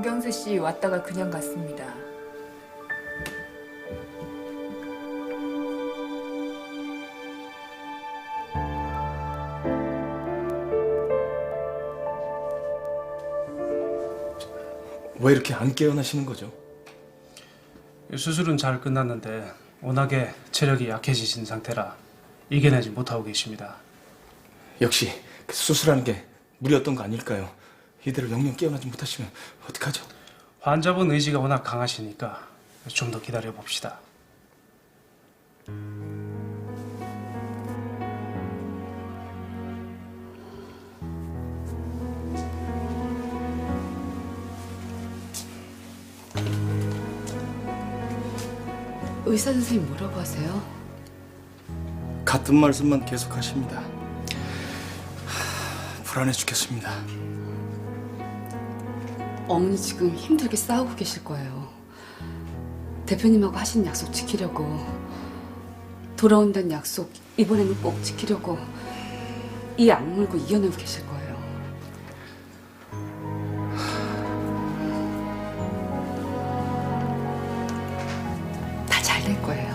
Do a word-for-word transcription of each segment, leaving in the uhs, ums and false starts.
정경수 씨 왔다가 그냥 갔습니다. 왜 이렇게 안 깨어나시는 거죠? 수술은 잘 끝났는데 워낙에 체력이 약해지신 상태라 이겨내지 못하고 계십니다. 역시 그 수술하는 게 무리였던 거 아닐까요? 이대로 영영 깨어나지 못하시면 어떡하죠? 환자분 의지가 워낙 강하시니까 좀 더 기다려 봅시다. 의사 선생님 뭐라고 하세요? 같은 말씀만 계속 하십니다. 하, 불안해 죽겠습니다. 어머니 지금 힘들게 싸우고 계실 거예요. 대표님하고 하신 약속 지키려고, 돌아온다는 약속 이번에는 꼭 지키려고 이 악물고 이겨내고 계실 거예요. 다 잘 될 거예요.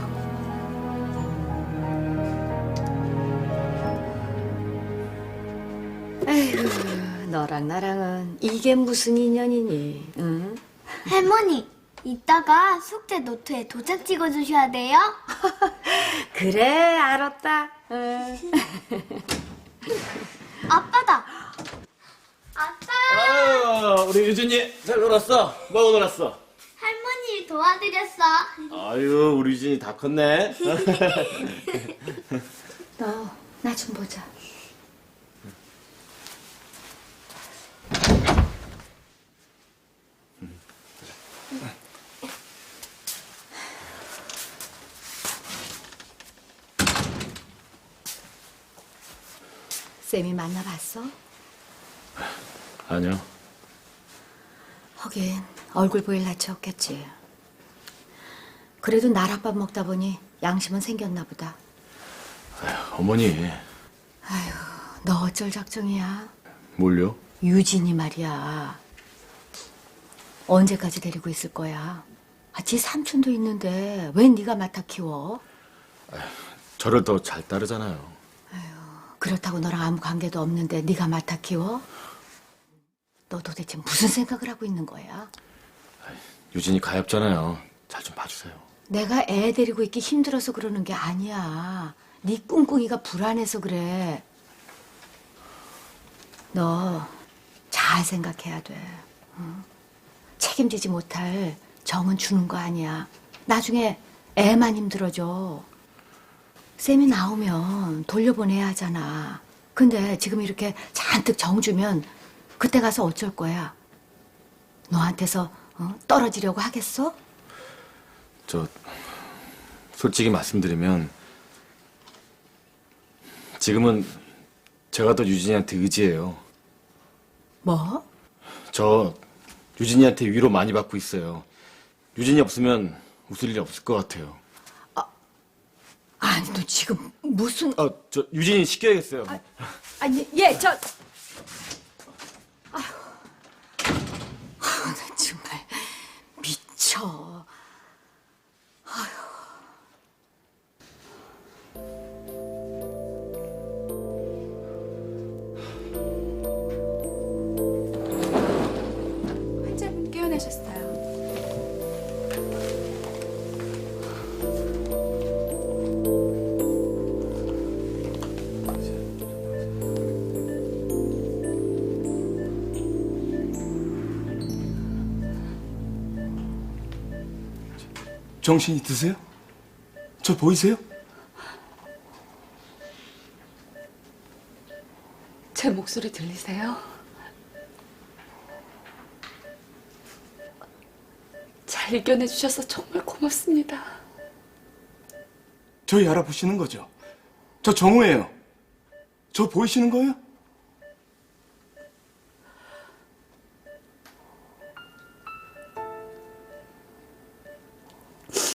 에휴, 너랑 나랑은 이게 무슨 인연이니, 응? 할머니, 이따가 숙제 노트에 도장 찍어주셔야 돼요. 그래, 알았다. 응. 아빠다. 아빠, 아유, 우리 유진이 잘 놀았어? 뭐하고 놀았어? 할머니 도와드렸어. 아유, 우리 유진이 다 컸네. 너, 나 좀 보자. 쌤이 만나봤어? 아니요. 하긴 얼굴 보일 낯이 없겠지. 그래도 나랏밥 먹다 보니 양심은 생겼나 보다. 어머니, 아휴, 너 어쩔 작정이야? 뭘요? 유진이 말이야. 언제까지 데리고 있을 거야? 아, 지 삼촌도 있는데 왜 네가 맡아 키워? 저를 더 잘 따르잖아요. 그렇다고 너랑 아무 관계도 없는데 네가 맡아 키워? 너 도대체 무슨 생각을 하고 있는 거야? 유진이 가엾잖아요. 잘 좀 봐주세요. 내가 애 데리고 있기 힘들어서 그러는 게 아니야. 네 꿍꿍이가 불안해서 그래. 너 잘 생각해야 돼. 응? 책임지지 못할 정은 주는 거 아니야. 나중에 애만 힘들어져. 쌤이 나오면 돌려보내야 하잖아. 근데 지금 이렇게 잔뜩 정 주면 그때 가서 어쩔 거야? 너한테서 어? 떨어지려고 하겠어? 저, 솔직히 말씀드리면 지금은 제가 더 유진이한테 의지해요. 뭐? 저 유진이한테 위로 많이 받고 있어요. 유진이 없으면 웃을 일이 없을 것 같아요. 아니 너 지금 무슨... 아, 저 유진이 시켜야겠어요. 아, 아니 얘 저... 아휴... 아휴, 나 정말 미쳐. 환자분 깨어나셨어요. 정신이 드세요? 저 보이세요? 제 목소리 들리세요? 잘 이겨내 주셔서 정말 고맙습니다. 저희 알아보시는 거죠? 저 정우예요. 저 보이시는 거예요?